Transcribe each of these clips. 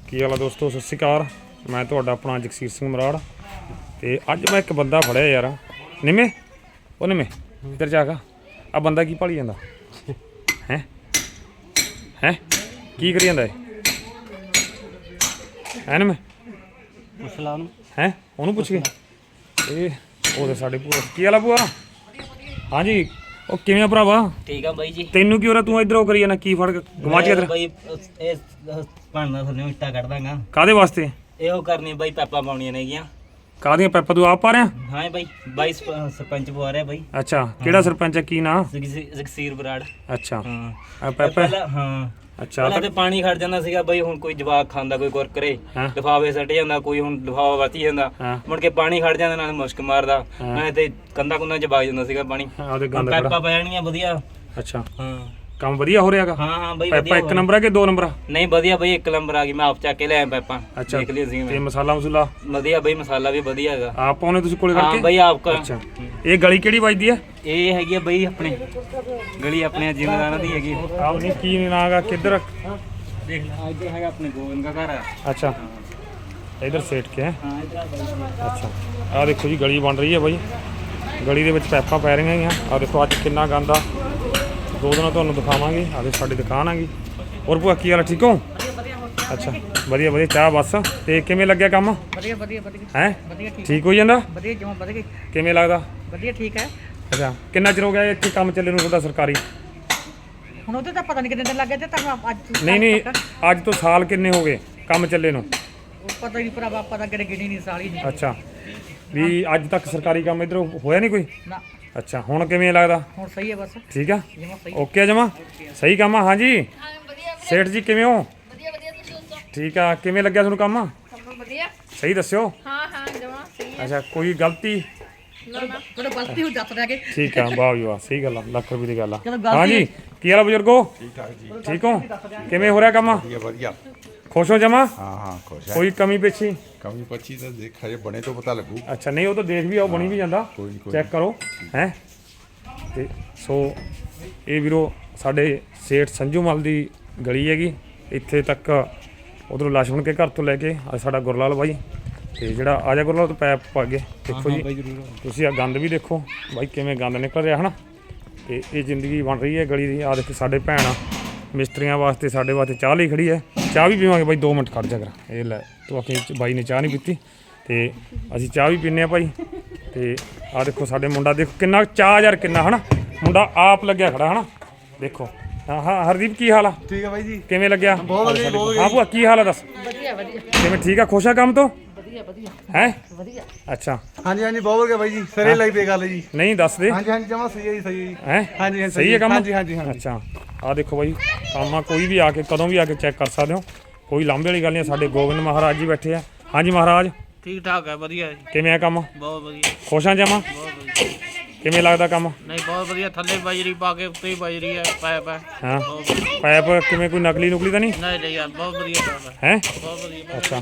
ਕੀ ਹਾਲ ਆ ਦੋਸਤੋ, ਸਤਿ ਸ਼੍ਰੀ ਅਕਾਲ। ਮੈਂ ਤੁਹਾਡਾ ਆਪਣਾ ਜਗਸੀਰ ਸਿੰਘ ਮਰਾੜ ਤੇ ਅੱਜ ਮੈਂ ਇੱਕ ਬੰਦਾ ਫੜਿਆ ਯਾਰ। ਨਿੰਮੇ ਉਹ ਨਿੰਮੇ ਇੱਧਰ ਜਾ ਕੇ ਆ ਬੰਦਾ ਕੀ ਭਾਲੀ ਜਾਂਦਾ ਹੈ ਕੀ ਕਰੀ ਜਾਂਦਾ ਹੈ ਨਿੰਮੇ? ਪੁੱਛ ਲਾ ਉਹਨੂੰ। ਹੈ ਉਹਨੂੰ ਪੁੱਛ ਕੇ ਇਹ ਉਹਦੇ ਸਾਡੇ ਭੂਆ ਕੀ ਹਾਲ ਆ ਭੂਆ? ਹਾਂਜੀ ਉਹ ਕਿਵੇਂ ਆ ਭਰਾਵਾ? ਠੀਕ ਆ ਬਾਈ ਜੀ। ਤੈਨੂੰ ਕੀ ਹੋ ਰਿਹਾ? ਤੂੰ ਇੱਧਰ ਉਹ ਕਰੀ ਜਾਂਦਾ ਕੀ ਫੜ ਕੇ ਗਵਾਚਿਆ ਤੇਰਾ? ਬਾਈ ਇਹ ਭਾਂਡਾ ਥੱਲੇ ਇੱਟਾਂ ਕੱਢ ਦਾਂਗਾ। ਕਾਹਦੇ ਵਾਸਤੇ? ਇਹੋ ਕਰਨੀ ਬਾਈ, ਪੈਪਾਂ ਪਾਉਣੀਆਂ ਨੇਗੀਆਂ। ਕਾਹਦੀਆਂ ਪੈਪਾਂ ਤੂੰ ਆਪ ਪਾ ਰਿਹਾ? ਹਾਂ ਬਾਈ, ਬਾਈ ਸਰਪੰਚ ਪਵਾ ਰਿਹਾ ਬਾਈ। ਅੱਛਾ ਕਿਹੜਾ ਸਰਪੰਚ ਹੈ, ਕੀ ਨਾਂ? ਜਗਸੀਰ ਬਰਾੜ। ਅੱਛਾ ਹਾਂ ਆ ਪੈਪਾ ਪਹਿਲਾਂ ਹਾਂ ਅੱਛਾ ਪਹਿਲਾਂ ਤੇ ਪਾਣੀ ਖੜ ਜਾਂਦਾ ਸੀਗਾ ਬਾਈ। ਹੁਣ ਕੋਈ ਜਵਾਕ ਖਾਂਦਾ, ਕੋਈ ਕੁਰਕਰੇ ਹਾਂ। ਲਿਫਾਫੇ ਸੱਟ ਜਾਂਦਾ, ਕੋਈ ਹੁਣ ਲਿਫਾਫਾ ਵਰਤੀ ਜਾਂਦਾ। ਹਾਂ। ਮੁੜ ਕੇ ਪਾਣੀ ਖੜ ਜਾਂਦਾ, ਨਾਲ ਮੁਸ਼ਕ ਮਾਰਦਾ। ਹਾਂ। ਮੈਂ ਤੇ ਕੰਧਾਂ ਕੁੰਧਾਂ ਚ ਵਗ ਜਾਂਦਾ ਸੀਗਾ ਪਾਣੀ। ਉਹਦੇ ਗੰਦ ਪੈਪਾਂ ਪੈ ਜਾਣਗੀਆਂ ਵਧੀਆ। ਅੱਛਾ ਹਾਂ ਕੰਮ ਵਧੀਆ ਹੋ ਰਿਹਾਗਾ? ਹਾਂ ਹਾਂ ਬਾਈ ਪੈਪਾ ਵਧੀਆ ਇੱਕ ਨੰਬਰ ਆ ਕਿ ਦੋ ਨੰਬਰ ਆ? ਨਹੀਂ ਵਧੀਆ ਬਾਈ, ਇੱਕ ਨੰਬਰ ਆ ਗਈ। ਮੈਂ ਆਪ ਚੱਕ ਕੇ ਲਿਆਇਆ ਪੈਪਾਂ। ਅੱਛਾ ਦੇਖ ਲਈ ਸੀ ਤੇ ਮੈਂ। ਮਸਾਲਾ ਮਸੂਲਾ ਵਧੀਆ ਬਾਈ, ਮਸਾਲਾ ਵੀ ਵਧੀਆ ਹੈਗਾ। ਆਪ ਪਾਉਣੇ ਤੁਸੀਂ ਕੋਲੇ ਹਾਂ ਕਰਕੇ? ਬਾਈ ਆਪ ਕਰ। ਅੱਛਾ ਇਹ ਗਲੀ ਕਿਹੜੀ ਵੱਜਦੀ ਆ? ਇਹ ਹੈਗੀ ਆ ਬਾਈ ਆਪਣੇ ਗਲੀ ਆਪਣੇ ਜ਼ਿਮੀਂਦਾਰਾਂ ਦੀ ਹੈਗੀ। ਆਹ ਨਹੀਂ ਕੀ ਨਾਂਗਾ ਕਿੱਧਰ? ਦੇਖ ਲੈ ਇੱਧਰ ਹੈਗਾ ਆਪਣੇ ਗੋਬਿੰਦ ਦਾ ਘਰ ਆ। ਅੱਛਾ ਇਧਰ ਸੇਟ ਕੇ ਹੈ। ਹਾਂ ਇੱਧਰ ਬਾਈ। ਅੱਛਾ ਆਹ ਦੇਖੋ ਜੀ ਗਲੀ ਬਣ ਰਹੀ ਹੈ ਬਾਈ। ਗਲੀ ਦੇ ਵਿੱਚ ਪੈਪਾਂ ਪੈ ਰਹੀਆਂ ਹੈਗੀਆਂ। ਆਹ ਦੇਖੋ ਅੱਜ ਕਿੰਨਾ ਗੰਦ ਆ। ਦੋ ਦਿਨਾਂ ਤੁਹਾਨੂੰ ਦਿਖਾਵਾਂਗੇ। ਆਹ ਸਾਡੀ ਦੁਕਾਨ ਹੈਗੀ। ਹੋਰ ਭੂਆ ਕੀ ਹਾਲ, ਠੀਕ ਹੋ? ਅੱਛਾ ਵਧੀਆ ਵਧੀਆ। ਚਾਹ ਬਸ। ਤੇ ਕਿਵੇਂ ਲੱਗਿਆ ਕੰਮ? ਵਧੀਆ ਵਧੀਆ ਵਧੀਆ ਹੈ ਵਧੀਆ ਠੀਕ ਹੋਈ ਜਾਂਦਾ? ਵਧੀਆ ਜਮਾ ਵਧੀਆ ਕਿਵੇਂ ਲੱਗਦਾ? ਵਧੀਆ ਠੀਕ ਹੈ। ਅੱਛਾ ਕਿੰਨਾ ਚਿਰ ਹੋ ਗਿਆ ਇੱਥੇ ਕੰਮ ਚੱਲੇ ਨੂੰ ਤੁਹਾਡਾ ਸਰਕਾਰੀ? ਹੁਣ ਉਹਦੇ ਤਾਂ ਪਤਾ ਨਹੀਂ ਕਿੰਨੇ ਦਿਨ ਲੱਗੇ ਤੇ ਤੁਹਾਨੂੰ ਅੱਜ ਨਹੀਂ ਅੱਜ ਤੋਂ ਸਾਲ ਕਿੰਨੇ ਹੋ ਗਏ ਕੰਮ ਚੱਲੇ ਨੂੰ? ਉਹ ਪਤਾ ਨਹੀਂ ਭਰਾਵਾ, ਪਤਾ ਕਿਹੜੇ ਗਿਣੀ ਨਹੀਂ ਸਾਲੀ ਨਹੀਂ। ਅੱਛਾ ਵੀ ਅੱਜ ਤੱਕ ਸਰਕਾਰੀ ਕੰਮ ਇੱਧਰ ਹੋਇਆ ਨਹੀਂ ਕੋਈ? ਨਾ ਅੱਛਾ ਹੁਣ ਕਿਵੇਂ ਲੱਗਦਾ? ਹੁਣ ਸਹੀ ਹੈ ਬਸ ਠੀਕ ਆ ਜਮਾ ਸਹੀ। ਓਕੇ ਜਮਾ ਸਹੀ ਕੰਮ ਆ। ਹਾਂਜੀ ਸੇਠ ਜੀ ਕਿਵੇਂ ਹੋ? ਵਧੀਆ ਵਧੀਆ, ਤੁਸੀਂ ਦੱਸੋ? ਠੀਕ ਆ ਕਿਵੇਂ ਲੱਗਿਆ ਤੁਹਾਨੂੰ ਕੰਮ? ਸਭ ਵਧੀਆ। ਸਹੀ ਦੱਸਿਓ। ਹਾਂ ਹਾਂ ਜਮਾ ਸਹੀ ਹੈ। ਅੱਛਾ ਕੋਈ ਗਲਤੀ? ਨਾ ਨਾ ਥੋੜਾ ਗਲਤੀ ਹੋ ਦੱਸ ਰਿਹਾ ਕਿ ਠੀਕ ਆ ਵਾਹ ਜੀ ਵਾਹ ਸਹੀ ਗੱਲ ਆ, ਲੱਖ ਰੁਪਏ ਦੀ ਗੱਲ ਆ। ਚਲੋ ਗਲਤੀ- ਹਾਂਜੀ ਕੀ ਹਾਲ ਆ ਬਜ਼ੁਰਗੋ? ਠੀਕ ਠਾਕ ਜੀ। ਠੀਕ ਹੋ? ਕਿਵੇਂ ਹੋ ਰਿਹਾ ਕੰਮ? ਵਧੀਆ ਵਧੀਆ। ਖੁਸ਼ ਹੋ ਜਮਾ? ਹਾਂ ਖੁਸ਼ ਹੈ। ਕੋਈ ਕਮੀ ਪੇਸ਼ੀ? ਕਮੀ ਪੱਚੀ ਤਾਂ ਦੇਖ ਹਜੇ ਬਣੇ ਤੋਂ ਪਤਾ ਲੱਗੂ। ਅੱਛਾ ਨਹੀਂ ਉਹ ਤਾਂ ਦੇਖ ਵੀ ਆਓ, ਬਣੀ ਵੀ ਜਾਂਦਾ। ਕੋਈ ਨਹੀਂ, ਕੋਈ ਚੈੱਕ ਕਰੋ ਹੈ। ਤੇ ਸੋ ਇਹ ਵੀਰੋ ਸਾਡੇ ਸੇਠ ਸੰਜੂ ਮਲ ਦੀ ਗਲੀ ਹੈਗੀ। ਇੱਥੇ ਤੱਕ ਉਧਰੋਂ ਲਛਮਣ ਕੇ ਘਰ ਤੋਂ ਲੈ ਕੇ ਆ ਸਾਡਾ ਗੁਰਲਾਲ ਬਾਈ। ਤੇ ਜਿਹੜਾ ਆਜਾ ਗੁਰਲਾਲ ਤੋਂ ਪੈਪ ਪਾ ਗਏ ਦੇਖੋ ਜੀ। ਤੁਸੀਂ ਆ ਗੰਦ ਵੀ ਦੇਖੋ ਬਾਈ ਕਿਵੇਂ ਗੰਦ ਨਿਕਲ ਰਿਹਾ ਹਨਾ। ਤੇ ਇਹ ਜ਼ਿੰਦਗੀ ਬਣ ਰਹੀ ਹੈ ਗਲੀ ਦੀ। ਆ ਦੇਖੋ ਸਾਡੇ ਭੈਣ ਆ ਮਿਸਤਰੀਆਂ ਵਾਸਤੇ, ਸਾਡੇ ਵਾਸਤੇ ਚਾਹ ਲਈ ਖੜੀ ਹੈ। ਚਾਹ ਵੀ ਪੀਵਾਂਗੇ ਬਾਈ, 2 ਮਿੰਟ ਖੜ ਜਾ ਕਰ। ਇਹ ਲੈ ਤੂੰ ਆਖੇ ਬਾਈ ਨੇ ਚਾਹ ਨਹੀਂ ਪੀਤੀ ਤੇ ਅਸੀਂ ਚਾਹ ਵੀ ਪੀਂਦੇ ਆ ਭਾਈ। ਤੇ ਆ ਦੇਖੋ ਸਾਡੇ ਮੁੰਡਾ ਦੇਖੋ ਕਿੰਨਾ ਚਾਹ ਯਾਰ, ਕਿੰਨਾ ਹਨਾ ਮੁੰਡਾ ਆਪ ਲੱਗਿਆ ਖੜਾ ਹਨਾ। ਦੇਖੋ ਹਾਂ ਹਾਂ ਹਰਦੀਪ ਕੀ ਹਾਲ ਆ? ਠੀਕ ਹੈ ਬਾਈ ਜੀ। ਕਿਵੇਂ ਲੱਗਿਆ? ਬਹੁਤ ਵਧੀਆ ਬਹੁਤ ਵਧੀਆ। ਹਾਂ ਭੂਆ ਕੀ ਹਾਲ ਆ ਦੱਸ? ਵਧੀਆ ਵਧੀਆ ਕਿਵੇਂ ਠੀਕ ਆ? ਖੁਸ਼ ਆ ਕੰਮ ਤੋਂ? ਵਧੀਆ ਵਧੀਆ ਹੈ ਵਧੀਆ। ਅੱਛਾ ਹਾਂਜੀ ਹਾਂਜੀ ਬਹੁਤ ਵਧੀਆ ਬਾਈ ਜੀ। ਸਿਰੇ ਲਾਈ ਪਈ ਗੱਲ ਜੀ। ਨਹੀਂ ਦੱਸ ਦੇ ਹਾਂਜੀ ਹਾਂਜੀ ਜਮਾ ਸਹੀ ਹੈ ਜੀ, ਸਹੀ ਹੈ ਜੀ। ਹੈ ਹਾਂਜੀ ਹਾਂਜੀ ਸਹੀ ਹੈ ਕੰਮ? ਹਾਂਜੀ ਹਾਂਜੀ ਹਾਂਜੀ। ਅੱਛਾ ਆ ਦੇਖੋ ਬਾਈ ਕੰਮ ਆ, ਕੋਈ ਵੀ ਆ ਕੇ ਕਦੋਂ ਵੀ ਆ ਕੇ ਚੈੱਕ ਕਰ ਸਕਦੇ ਹੋ। ਕੋਈ ਲਾਂਭੇ ਵਾਲੀ ਗੱਲ ਨਹੀਂ। ਸਾਡੇ ਗੋਬਿੰਦ ਮਹਾਰਾਜ ਜੀ ਬੈਠੇ ਆ। ਹਾਂਜੀ ਮਹਾਰਾਜ ਠੀਕ ਠਾਕ ਹੈ, ਵਧੀਆ ਜੀ, ਕਿਵੇਂ ਆ ਕੰਮ? ਬਹੁਤ ਵਧੀਆ, ਖੁਸ਼ ਆ ਜਮਾ? ਬਹੁਤ ਵਧੀਆ। ਕਿਵੇਂ ਲੱਗਦਾ ਕੰਮ? ਨਹੀਂ ਬਹੁਤ ਵਧੀਆ, ਥੱਲੇ ਬਜਰੀ ਪਾ ਕੇ ਉੱਤੇ ਹੀ ਬਜਰੀ ਹੈ ਪਾਇਪ ਹੈ। ਹਾਂ ਬਹੁਤ ਵਧੀਆ। ਪਾਇਪ ਕਿਵੇਂ ਕੋਈ ਨਕਲੀ ਨੁਕਲੀ ਤਾਂ ਨਹੀਂ ਨਹੀਂ ਨਹੀਂ ਯਾਰ ਬਹੁਤ ਵਧੀਆ ਕੰਮ ਹੈ, ਹੈ? ਬਹੁਤ ਵਧੀਆ। ਅੱਛਾ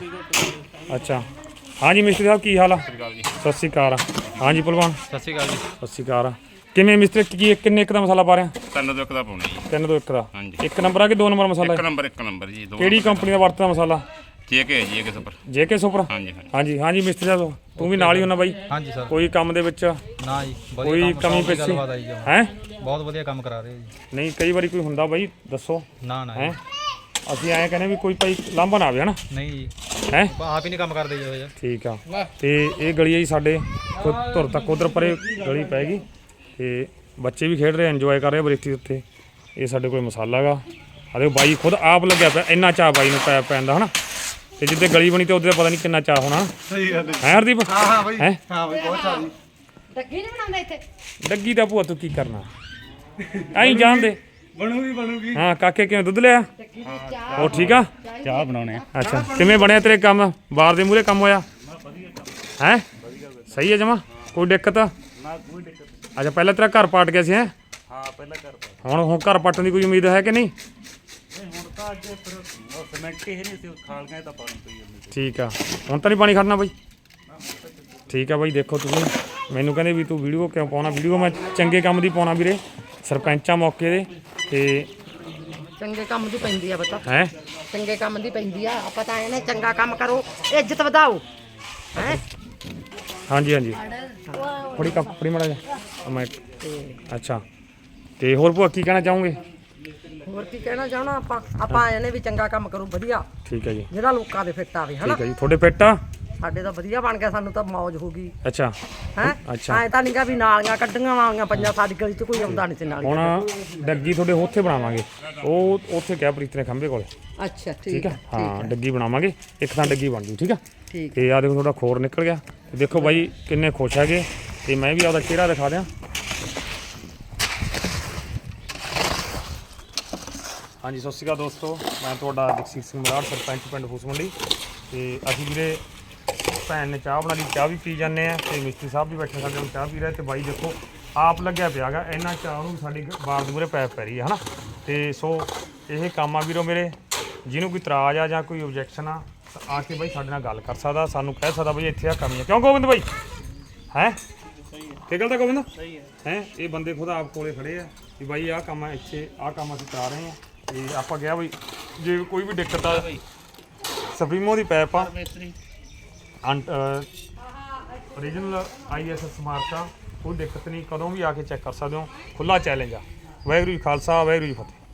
ਅੱਛਾ ਹਾਂਜੀ ਮਿਸਤਰੀ ਸਾਹਿਬ ਕੀ ਹਾਲ ਆ? ਸਤਿ ਸ਼੍ਰੀ ਅਕਾਲ। ਹਾਂਜੀ ਭਲਵਾਨ ਸਤਿ ਸ਼੍ਰੀ ਅਕਾਲ ਜੀ। ਸਤਿ ਸ਼੍ਰੀ ਅਕਾਲ। ਕਿਵੇਂ ਮਿਸਤਰੀ ਕਿੰਨੇ ਇੱਕ ਦਾ ਮਸਾਲਾ ਪਾ ਰਿਹਾ? 3 ਤੋਂ 1 ਦਾ ਪਾਉਣਾ ਜੀ। 3 ਤੋਂ 1 ਦਾ? ਹਾਂਜੀ। 1 ਨੰਬਰ ਆ ਕਿ 2 ਨੰਬਰ ਮਸਾਲਾ? 1 ਨੰਬਰ ਜੀ। ਕਿਹੜੀ ਕੰਪਨੀ ਦਾ ਵਰਤਦਾ ਮਸਾਲਾ? ਜੇਕੇ ਜੀ, ਜੇਕੇ ਸੁਪਰ। JK super? ਹਾਂਜੀ ਹਾਂਜੀ। ਹਾਂਜੀ ਹਾਂਜੀ ਮਿਸਤਰੀ ਸਾਹਿਬ ਤੂੰ ਵੀ ਨਾਲ ਹੀ ਹੋਣਾ ਬਾਈ? ਹਾਂਜੀ ਸਰ। ਕੋਈ ਕੰਮ ਦੇ ਵਿੱਚ ਨਾ ਜੀ ਕੋਈ ਵਧੀਆ ਕਮੀ ਕੰਮ, ਪੇਸ਼ੀ ਗੱਲਬਾਤ ਆਈ ਜਮਾਂ। ਹੈ? ਬਹੁਤ ਵਧੀਆ ਕੰਮ ਕਰਾ ਰਹੇ ਜੀ। ਨਹੀਂ ਕਈ ਵਾਰੀ ਕੋਈ ਹੁੰਦਾ ਬਾਈ ਦੱਸੋ ਨਾ ਨਾ ਹੈ। ਜੀ। ਅਸੀਂ ਐਂ ਕਹਿੰਦੇ ਵੀ ਕੋਈ ਭਾਈ ਲਾਂਭਾ ਨਾ ਆਵੇ ਹਨਾ। ਨਹੀਂ ਜੀ ਹੈ ਆਪ ਹੀ ਨਹੀਂ ਕੰਮ ਕਰਦੇ ਜੀ ਉਹ ਜਿਹਾ। ਠੀਕ ਆ। ਤੇ ਇਹ ਗਲੀ ਹੈ ਜੀ ਸਾਡੇ ਧੁਰ ਤੱਕ ਉਧਰ ਪਰੇ ਗਲੀ ਪੈ ਗਈ ਤੇ ਬੱਚੇ ਵੀ ਖੇਡ ਰਹੇ, ਇੰਜੋਏ ਕਰ ਰਹੇ ਬਰੇਤੀ ਉੱਤੇ। ਇਹ ਸਾਡੇ ਕੋਲ ਮਸਾਲਾ ਹੈਗਾ। ਅਰੇ ਬਾਈ ਖੁਦ ਆਪ ਲੱਗਿਆ ਪਿਆ, ਇੰਨਾ ਚਾਹ ਬਾਈ ਨੂੰ ਪੈ ਪੈਂਦਾ ਹਨਾ। ਤੇ ਜਿੱਦੇ ਗਲੀ ਬਣੀ ਤੇ ਉਹਦੇ ਪਤਾ ਨਹੀਂ ਕਿੰਨਾ ਚਾਹ ਹੋਣਾ। ਸਹੀ ਗੱਲ ਹੈ ਹਰਦੀਪ? ਹਾਂ ਹਾਂ ਬਾਈ। ਹੈ ਹਾਂ ਬਾਈ ਬਹੁਤ ਚਾਹ ਜੀ। ਡੱਗੀ ਨਹੀਂ ਬਣਾਉਂਦਾ ਇੱਥੇ? ਡੱਗੀ ਦਾ ਭੂਆ ਤੂੰ ਕੀ ਕਰਨਾ ਐਂ ਜਾਣਦੇ। ਬਣੂਗੀ ਬਣੂਗੀ। ਹਾਂ ਕਾਕੇ ਕਿਵੇਂ ਦੁੱਧ ਲਿਆ? ਉਹ ਠੀਕ ਆ? ਚਾਹ ਬਣਾਉਣੇ ਆ। ਅੱਛਾ ਕਿਵੇਂ ਬਣਿਆ ਤੇਰੇ ਕੰਮ? ਬਾਰ ਦੇ ਮੂਹਰੇ ਕੰਮ ਹੋਇਆ ਹੈ? ਸਹੀ ਹੈ ਜਮਾ? ਕੋਈ ਦਿੱਕਤ? ਅੱਛਾ ਪਹਿਲਾਂ ਤੇਰਾ ਘਰ ਪਾਟ ਗਿਆ ਸੀ ਹੈ? ਹਾਂ ਪਹਿਲਾਂ ਕਰ ਹੁਣ ਘਰ ਪੱਟਣ ਦੀ ਕੋਈ ਉਮੀਦ ਹੈ ਕਿ ਨਹੀਂ? ਹੁਣ ਤਾਂ ਅੱਜ ਫਿਰ ਸਿਮੈਂਟ ਹੀ ਨਹੀਂ ਸੀ, ਖਾਲ ਗਏ ਤਾਂ ਪਾਣੀ ਪਈ ਜਾਂਦੇ। ਠੀਕ ਆ ਹੁਣ ਤਾਂ ਨਹੀਂ ਪਾਣੀ ਖੜਨਾ ਬਾਈ? ਠੀਕ ਆ ਬਾਈ ਦੇਖੋ ਤੁਸੀਂ ਮੈਨੂੰ ਕਹਿੰਦੇ ਵੀ ਤੂੰ ਵੀਡੀਓ ਕਿਉਂ ਪਾਉਣਾ? ਵੀਡੀਓ ਮੈਂ ਚੰਗੇ ਕੰਮ ਦੀ ਪਾਉਣਾ ਵੀਰੇ, ਸਰਪੰਚਾਂ ਮੌਕੇ ਦੇ। ਤੇ ਚੰਗੇ ਕੰਮ ਦੀ ਪੈਂਦੀ ਆ ਬਤਾ ਹੈ ਚੰਗੇ ਕੰਮ ਦੀ ਪੈਂਦੀ ਆ ਆਪਾਂ ਤਾਂ ਇਹਨੇ ਚੰਗਾ ਕੰਮ ਕਰੋ ਇੱਜ਼ਤ ਵਧਾਓ ਹੈ ਹਾਂਜੀ ਹਾਂਜੀ ਫੜੀ ਕੱਪ ਫੜੀ ਮੜਾ ਜਾ ਮੈਂ ਅੱਛਾ ਤੇ ਹੋਰ ਭੂਆ ਕੀ ਕਹਿਣਾ ਚਾਹੋਗੇ ਹੋਰ ਕੀ ਕਹਿਣਾ ਚਾਹਣਾ ਆਪਾਂ ਇਹਨੇ ਵੀ ਚੰਗਾ ਕੰਮ ਕਰੂ ਵਧੀਆ ਠੀਕ ਹੈ ਜੀ ਜਿਹੜਾ ਲੋਕਾਂ ਦੇ ਫਿੱਟ ਆਵੇ ਹਨਾ ਠੀਕ ਹੈ ਜੀ ਤੁਹਾਡੇ ਪਿੱਟ ਆ ਸਾਡੇ ਤਾਂ ਵਧੀਆ ਬਣ ਗਿਆ ਸਾਨੂੰ ਤਾਂ ਮੌਜ ਹੋ ਗਈ ਅੱਛਾ ਹੈ ਅੱਛਾ ਐ ਤਾਂ ਨਹੀਂਗਾ ਵੀ ਨਾਲੀਆਂ ਕੱਢੀਆਂ ਵਾਲੀਆਂ ਪੰਜਾਂ ਸਾਡੀ ਗਲੀ 'ਚ ਕੋਈ ਆਉਂਦਾ ਨਹੀਂ ਸੀ ਨਾਲੀ ਹੁਣ ਡੱਗੀ ਤੁਹਾਡੇ ਉੱਥੇ ਬਣਾਵਾਂਗੇ ਉਹ ਉੱਥੇ ਕਿਹਾ ਪ੍ਰੀਤ ਨੇ ਖੰਭੇ ਕੋਲੇ ਅੱਛਾ ਠੀਕ ਹੈ ਹਾਂ ਡੱਗੀ ਬਣਾਵਾਂਗੇ ਇੱਕ ਤਾਂ ਡੱਗੀ ਬਣ ਜੂ ਠੀਕ ਆ ਠੀਕ ਤੇ ਆ ਦੇਖੋ ਤੁਹਾਡਾ ਖੋਰ ਨਿਕਲ ਗਿਆ ਤੇ ਦੇਖੋ ਬਾਈ ਕਿੰਨੇ ਖੁਸ਼ ਹੈਗੇ ਤੇ ਮੈਂ ਵੀ ਆਪਦਾ ਚਿਹਰਾ ਦਿਖਾ ਦਿਆਂ ਹਾਂਜੀ ਸਤਿ ਸ਼੍ਰੀ ਅਕਾਲ ਦੋਸਤੋ ਮੈਂ ਤੁਹਾਡਾ ਜਗਸੀਰ ਸਿੰਘ ਮਰਾੜ ਸਰਪੰਚ ਪਿੰਡ ਫੂਸ ਮੰਡੀ ਤੇ ਅਸੀਂ ਵੀਰੇ ਭੈਣ ਨੇ ਚਾਹ ਬਣਾ ਲਈ ਚਾਹ ਵੀ ਪੀ ਜਾਂਦੇ ਆ ਤੇ ਮਿਸਤਰੀ ਸਾਹਿਬ ਵੀ ਬੈਠੇ ਸਾਡੇ ਨਾਲ ਚਾਹ ਪੀ ਰਹੇ ਤੇ ਬਾਈ ਦੇਖੋ ਆਪ ਲੱਗਿਆ ਪਿਆ ਗਾ ਇਹਨਾਂ ਚਾਹ ਨੂੰ ਸਾਡੀ ਬਾਰ ਦੇ ਮੂਹਰੇ ਪੈਪ ਪੈ ਰਹੀ ਹੈ ਹਨਾ ਤੇ ਸੋ ਇਹ ਕੰਮ ਆ ਵੀਰੋ ਮੇਰੇ ਜਿਹਨੂੰ ਕੋਈ ਇਤਰਾਜ਼ ਆ ਜਾਂ ਕੋਈ ਓਬਜੈਕਸ਼ਨ ਆ ਕੇ ਬਾਈ ਸਾਡੇ ਨਾਲ ਗੱਲ ਕਰ ਸਕਦਾ ਸਾਨੂੰ ਕਹਿ ਸਕਦਾ ਬਈ ਇੱਥੇ ਆ ਕਮੀ ਆ ਕਿਉਂ ਗੋਬਿੰਦ ਬਾਈ ਹੈ ਕੀ ਗੱਲ ਤਾਂ ਗੋਬਿੰਦ ਹੈ ਇਹ ਬੰਦੇ ਖੁਦ ਆਪ ਕੋਲੇ ਖੜੇ ਆ ਵੀ ਬਾਈ ਆਹ ਕੰਮ ਆ ਇੱਥੇ ਆਹ ਕੰਮ ਅਸੀਂ ਕਰਾ ਰਹੇ ਆ ਤੇ ਆਪਾਂ ਕਿਹਾ ਬਈ ਜੇ ਕੋਈ ਵੀ ਦਿੱਕਤ ਆ ਸਪਰੀਮੋ ਦੀ ਪੈਪ ਆ ਓਰੀਜਨਲ ISS ਮਾਰਕ ਆ ਕੋਈ ਦਿੱਕਤ ਨਹੀਂ ਕਦੋਂ ਵੀ ਆ ਕੇ ਚੈੱਕ ਕਰ ਸਕਦੇ ਹੋ ਖੁੱਲਾ ਚੈਲੰਜ ਆ ਵਾਹਿਗੁਰੂ ਜੀ ਖਾਲਸਾ ਵਾਹਿਗੁਰੂ ਜੀ ਫਤਿਹ